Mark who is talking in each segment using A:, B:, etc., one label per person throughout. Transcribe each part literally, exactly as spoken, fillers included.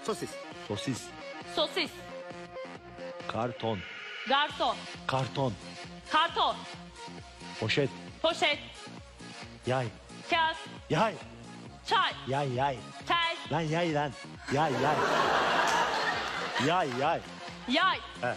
A: Sosis.
B: Sosis.
C: Sosis.
B: Karton.
C: Garson.
B: Karton.
C: Karton.
B: Poşet.
C: Poşet.
B: Yay.
C: Kağıt.
B: Yay.
C: Çay.
B: Yay yay.
C: Tel.
B: Lan yay lan. Yay yay. Yay yay.
C: Yay.
B: He.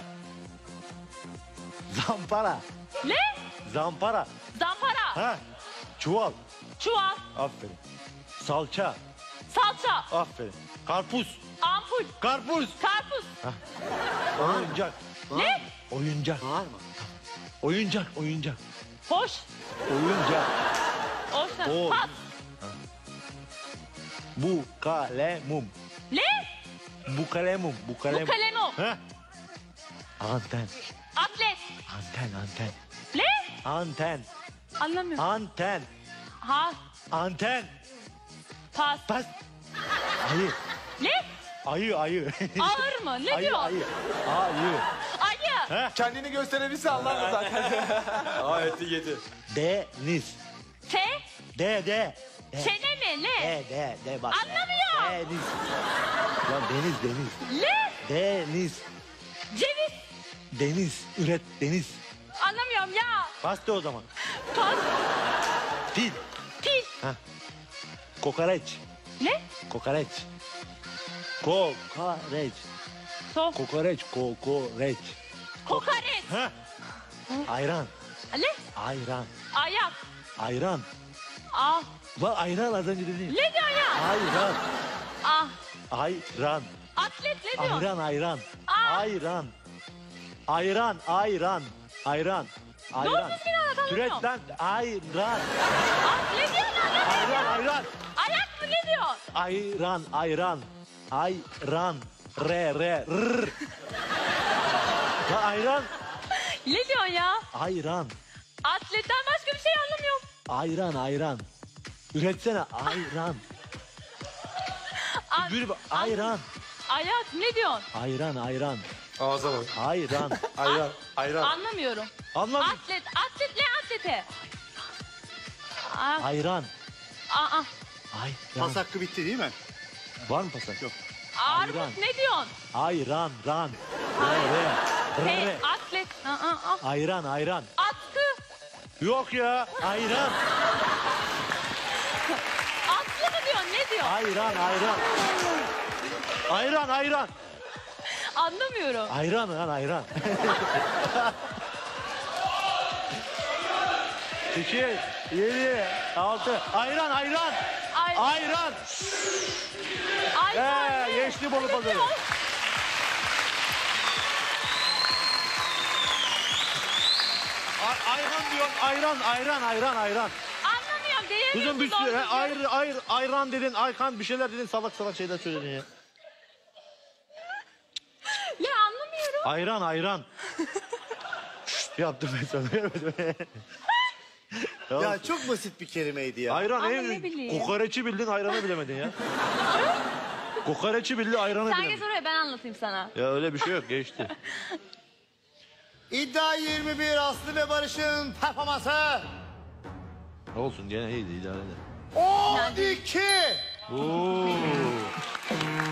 B: Zampara.
C: Ne?
B: Zampara.
C: Zampara.
B: Ha. Çuval.
C: Çuval.
B: Aferin. Salça.
C: Salça.
B: Aferin. Karpuz.
C: Ampul.
B: Karpuz.
C: Karpuz.
B: Oyuncak.
C: Ne?
B: Oyuncak.
A: Bağırma.
B: Oyuncak. Oyuncak.
C: Hoş.
B: Oyuncak.
C: Hoş.
B: O-
C: Pas.
B: Bu kalemum.
C: Ne?
B: Bu kalemum. Bu
C: Bu
B: kalemum.
C: kalemo.
B: Ha. Anten.
C: Atlet.
B: Anten. Anten.
C: Ne?
B: Anten.
C: Anlamıyorum.
B: Anten.
C: Ha.
B: Anten.
C: Pas.
B: Pas. Ayı.
C: Ne?
B: Ayı. Ayı.
C: Ağır mı? Ne
B: ayı,
C: diyor?
B: ayı. Ayı.
C: Ayı.
B: Heh.
D: Kendini gösterebilse anlar zaten. Ayeti yedi.
B: Deniz.
C: Te.
B: De de. De.
C: Çene mi? Ne?
B: De de de bak.
C: Anlamıyorum.
B: Deniz. Ya deniz deniz.
C: Ne?
B: Deniz.
C: Ceviz.
B: Deniz. Üret deniz.
C: Anlamıyorum ya.
B: Bas de o zaman.
C: Pas.
B: Fil.
C: Fil.
B: Kokoreç.
C: Ne?
B: Kokoreç. Kokoreç.
C: So.
B: Kokoreç. Kokoreç.
C: Kokoreç.
B: Ha. Ayran.
C: Ne?
B: Ayran.
C: Ayak.
B: Ayran.
C: Ah.
B: Bak ayran az önce dedin.
C: Ne diyor ya?
B: Ayran.
C: Ah.
B: Ayran.
C: Atlet ne diyor?
B: Ayran ayran.
C: Aa.
B: Ayran. Ayran ayran. Ayran.
C: Doğru
B: Ayran.
C: düzgün anlat, anlamıyorum.
B: Türetten ayran.
C: Ah ne diyor lan? Ne
B: Ayran
C: diyor?
B: ayran.
C: Ayak mı ne diyor?
B: Ayran ayran. Ayran. Re re rr. Ya ayran.
C: Ne diyor ya?
B: Ayran.
C: Atletten başka bir şey anlamıyorum.
B: Ayran ayran. Üretsene ayran.
C: Ah,
B: Gül ayran.
C: Ayak ne diyorsun?
B: Ayran ayran.
D: Ağza bak.
B: Ayran.
D: Ayran. Ayran.
C: Anlamıyorum.
B: Anladın?
C: Atlet, atlet ne atlete? Ah,
B: Ayran.
C: ah, ah.
B: Ayran.
A: Pas hakkı bitti değil mi?
B: Var mı pasak?
A: Yok.
C: Armut
B: Ayran.
C: ne diyorsun?
B: Ayran ran. Re re.
C: Hey,
B: Re.
C: atlet. Ah, ah, ah.
B: Ayran ayran.
C: Atkı.
B: Yok ya. Ayran.
C: Atlı mı diyorsun? Ne diyor?
B: Ayran ayran. Ayran ayran.
C: Anlamıyorum.
B: Ayran lan ayran. İki, yedi, altı. Ayran ayran.
C: Ay,
B: Ayran.
C: ayran
B: Ee,
C: ne?
B: geçti Bolu
C: Ne
B: Pazarı.
C: diyor?
B: Ay- ayran diyor. Ayran ayran ayran ayran.
C: Anlamıyorum.
B: Kızım bir
C: Değerliyorsun
B: sürü
C: doğru düzgün.
B: ayr, ayr, ayran dedin, aykan bir şeyler dedin, salak salak şeyler söyledin ya.
C: Ne anlamıyorum.
B: Ayran, ayran. Şşt yaptım ben sana. Ya,
A: Ya çok basit bir kelimeydi ya.
B: ayran,
C: Ama
B: en-
C: ne bileyim.
B: kokoreçi bildin, ayranı bilemedin ya. Kokoreçi bildin, ayranı
C: Sen geç
B: bilemedin.
C: oraya ben anlatayım sana.
B: Ya öyle bir şey yok, geçti.
A: İddia yirmi bir Aslı ve Barış'ın performansı.
B: Olsun, gene iyiydi, idare eder.
A: on iki.
B: Oo.